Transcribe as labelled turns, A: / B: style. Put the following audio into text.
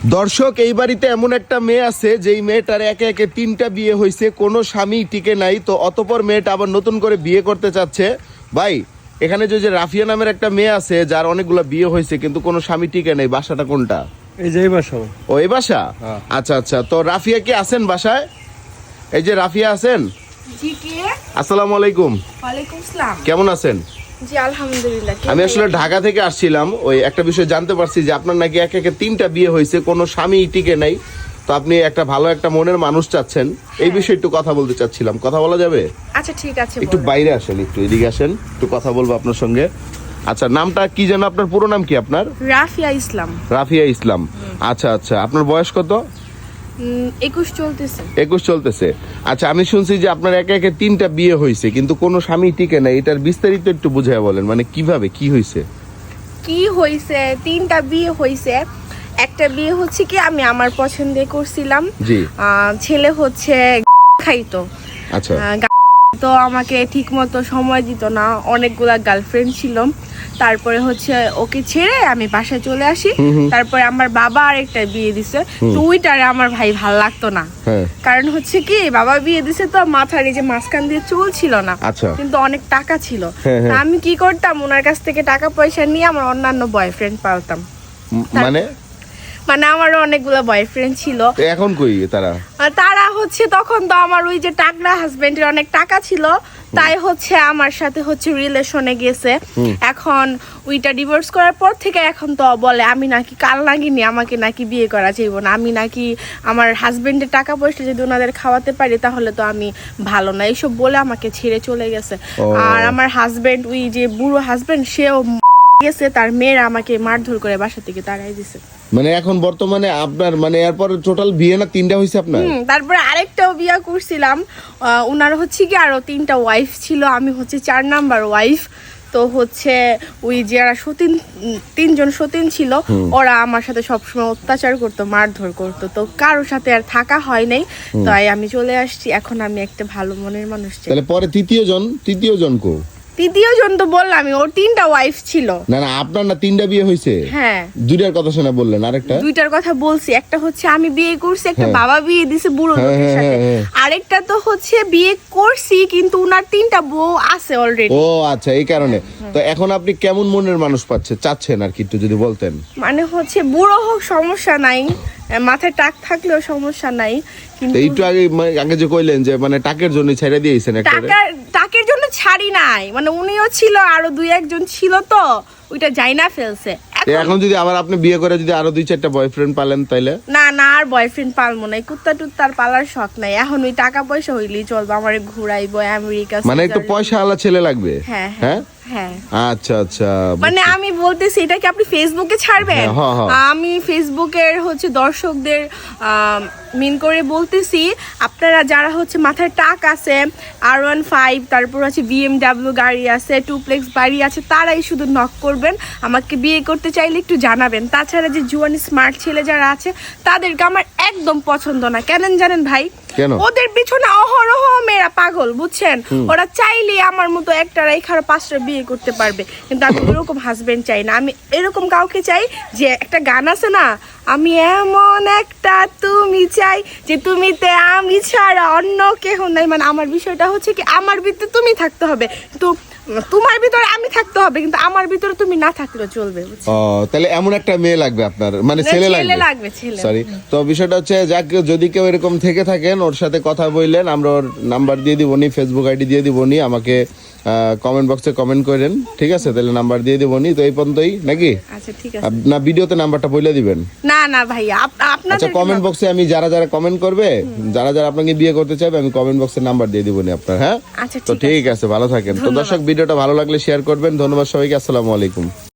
A: দর্শক, এই বাড়িতে এমন একটা মেয়ে আছে যেই মেয়েটার একে একে 3টা বিয়ে হয়েছে, কোনো স্বামী টিকে নাই। তো অতপর মেয়েটা আবার নতুন করে বিয়ে করতে চাচ্ছে। ভাই, এখানে যে রাফিয়া নামের একটা মেয়ে আছে যার অনেকগুলো বিয়ে হয়েছে কিন্তু কোনো স্বামী টিকে নাই, বাসাটা কোনটা?
B: এই যে এই বাসা।
A: ও, এই বাসা। আচ্ছা আচ্ছা, তো রাফিয়া কি আছেন বাসায়? এই যে রাফিয়া আছেন?
C: জি, কে?
A: আসসালামু আলাইকুম।
C: ওয়ালাইকুম আসসালাম।
A: কেমন আছেন?
C: জি আলহামদুলিল্লাহ।
A: আমি আসলে ঢাকা থেকে আসছিলাম, ওই একটা বিষয় জানতে পারছি যে আপনার নাকি একে একে 3টা বিয়ে হয়েছে, কোনো স্বামী টিকে নাই। তো আপনি একটা ভালো একটা মনের মানুষ চাচ্ছেন, এই বিষয়ে একটু কথা বলতে চাচ্ছিলাম। কথা বলা যাবে?
C: আচ্ছা ঠিক আছে,
A: একটু বাইরে আসেন, একটু এদিকে আসেন, একটু কথা বলবো আপনার সঙ্গে। আচ্ছা, নামটা কি যেন আপনার? পুরো নাম কি আপনার?
C: রাফিয়া ইসলাম।
A: রাফিয়া ইসলাম। আচ্ছা আচ্ছা, আপনার বয়স কত?
C: 21 চলতেছে।
A: 21 চলতেছে। আচ্ছা, আমি শুনছি যে আপনার একে একে 3টা বিয়ে হয়েছে কিন্তু কোনো স্বামী টিকে নাই। এটার বিস্তারিত একটু বুঝাইয়া বলেন, মানে কিভাবে কি হয়েছে?
C: কি হয়েছে? 3টা বিয়ে হয়েছে। একটা বিয়ে হচ্ছে কি আমি আমার পছন্দে করছিলাম।
A: জি।
C: ছেলে হচ্ছে খাইতো।
A: আচ্ছা।
C: তো আমাকে ঠিক মতো সময় দিত না, অনেকগুলা গার্লফ্রেন্ড ছিল। তারপরে হচ্ছে ওকে ছেড়ে আমি বাসায় চলে আসি। তারপরে আমার বাবা আরেকটা বিয়ে দিছে, তো ওইটারে আমার ভাই ভাল লাগতো না। কারণ হচ্ছে কি, বাবা বিয়ে দিছে তো মাথার এই যে মাঝখান দিয়ে চুল ছিল না, কিন্তু অনেক টাকা ছিল। আমি কি করতাম, ওনার কাছ থেকে টাকা পয়সা নিয়ে আমার অন্যান্য বয়ফ্রেন্ড পালতাম। মানে আমারও অনেকগুলো বয়ফ্রেন্ড ছিল।
A: এখন কই তারা?
C: তারা হচ্ছে তখন তো আমার ওই যে টাকরা হাজবেন্ডের অনেক টাকা ছিল, তাই হচ্ছে আমার সাথে হচ্ছে রিলেশনে গেছে। এখন ওইটা ডিভোর্স করার পর থেকে এখন তো বলে আমি নাকি কাল নাগিনি, আমাকে নাকি বিয়ে করা যাইব না, আমি নাকি আমার হাজবেন্ডের টাকা পয়সা যদি ওনাদের খাওয়াতে পারি তাহলে তো আমি ভালো না, এইসব বলে আমাকে ছেড়ে চলে গেছে। আর আমার হাজবেন্ড, ওই যে বুড়ো হাজবেন্ড, সেও গেছে, তার মেয়েরা আমাকে মারধর করে বাসা থেকে তাড়াই দিছে।
A: মানে এখন বর্তমানে আপনার মানে এরপর টোটাল বিয়ে না 3টা হয়েছে আপনার?
C: তারপরে আরেকটাও বিয়ে করছিলাম। ওনার হচ্ছে কি আরো 3টা ওয়াইফ ছিল, আমি হচ্ছে 4 নাম্বার ওয়াইফ। তো হচ্ছে ওই যারা সতীন, 3জন সতীন ছিল, ওরা আমার সাথে সবসময় অত্যাচার করতো, মারধর করতো। তো কারোর সাথে আর থাকা হয় নাই, তাই আমি চলে আসছি। এখন আমি একটা ভালো মনের মানুষ চাই।
A: তাহলে পরে তৃতীয় জন কো?
C: তৃতীয় জন তো বললাম, ওর 3টা ওয়াইফ ছিল।
A: না না, আপনার না 3টা বিয়ে হয়েছে?
C: হ্যাঁ।
A: 2টার কথা শোনা বললেন, আরেকটা?
C: 2টার কথা বলছি। একটা হচ্ছে আমি বিয়ে করছি, একটা বাবা বিয়ে দিছে বুড়ো লোকের সাথে। আরেকটা তো হচ্ছে বিয়ে করছি কিন্তু উনার 3টা বউ আছে অলরেডি।
A: ও আচ্ছা, এই কারণে। তো এখন আপনি কেমন মনের মানুষ চাচ্ছেন আর কি একটু যদি বলতেন?
C: মানে হচ্ছে বুড়ো হোক সমস্যা নাই, মাথায় টাক থাকলেও সমস্যা নাই, কিন্তু
A: একটু আগে যে কইলেন যে মানে টাকের জন্য ছেড়ে দিয়েছেন একটা।
C: টাকের জন্য ছাড়ি নাই, মানে উনিও ছিল, আরো 2-1 জন ছিল, তো ওইটা যাই না ফেলছে।
A: এখন যদি আবার আপনি বিয়ে করে যদি আরো 2-4টা বয়ফ্রেন্ড পালেন তাইলে?
C: না না, আর বয়ফ্রেন্ড পালবো না, কুত্তা টুত্তার পালার শখ নাই। এখন ওই টাকা পয়সা হইলেই চলবে, আমারে ঘুরাইবো আমেরিকা।
A: মানে একটু পয়সা আলা ছেলে লাগবে?
C: হ্যাঁ
A: হ্যাঁ
C: হ্যাঁ।
A: আচ্ছা আচ্ছা,
C: মানে আমি বলতেছি, এটা কি আপনি ফেসবুকে ছাড়বেন? আমি ফেসবুকের হচ্ছে দর্শকদের মিন করে বলতেছি, আপনারা যারা হচ্ছে মাথায় টাক আছে, R15, তারপর হচ্ছে BMW গাড়ি আছে, টুপ্লেক্স বাড়ি আছে, তারাই শুধু নক করবেন। আমাকে বিয়ে করতে চাইলে একটু জানাবেন। তাছাড়া যে জুয়ান স্মার্ট ছেলে যারা আছে তাদেরকে আমার একদম পছন্দ না। কেন জানেন ভাই? ওদের পিছনে অহরহ মেয়েরা পাগল, বুঝছেন? ওরা চাইলে আমার মতো একটা রাইখার 5টা বিয়ে করতে পারবে, কিন্তু আমি এরকম হাজবেন্ড চাই না। আমি এরকম কাউকে চাই, যে একটা গান আছে না, আমি এমন একটা তুমি চাই যে তুমিতে আমি ছাড়া অন্য কেহ নাই। মানে আমার বিষয়টা হচ্ছে কি, আমার ভিতরে তুমি থাকতে হবে, কিন্তু তোমার ভিতরে আমি থাকতে হবে, কিন্তু আমার ভিতরে তুমি না থাকলেও চলবে।
A: তাহলে এমন একটা মেয়ে লাগবে আপনার, মানে ছেলে লাগবে। সরি, তো বিষয়টা হচ্ছে যদি কেউ এরকম থেকে থাকেন, ওর সাথে কথা বললেন, আমরা ওর নাম্বার দিয়ে দিবনি, ফেসবুক আইডি দিয়ে দিবনি, আমাকে কমেন্ট বক্সে কমেন্ট করেন, ঠিক আছে? তাহলে নাম্বার দিয়ে দিবনি। তো এই পর্যন্তই নাকি?
C: আচ্ছা ঠিক আছে।
A: না, ভিডিওতে নাম্বারটা বলে দিবেন?
C: না না ভাইয়া, আপনাদের
A: আচ্ছা, কমেন্ট বক্সে আমি যারা কমেন্ট করবে, যারা আপনাকে বিয়ে করতে চাইবে, আমি কমেন্ট বক্সে নাম্বার দিয়ে দিবনি আপনার। হ্যাঁ,
C: আচ্ছা
A: তো ঠিক আছে, ভালো থাকেন। তো দর্শক, ভিডিওটা ভালো লাগলে শেয়ার করবেন। ধন্যবাদ সবাইকে, আসসালামু আলাইকুম।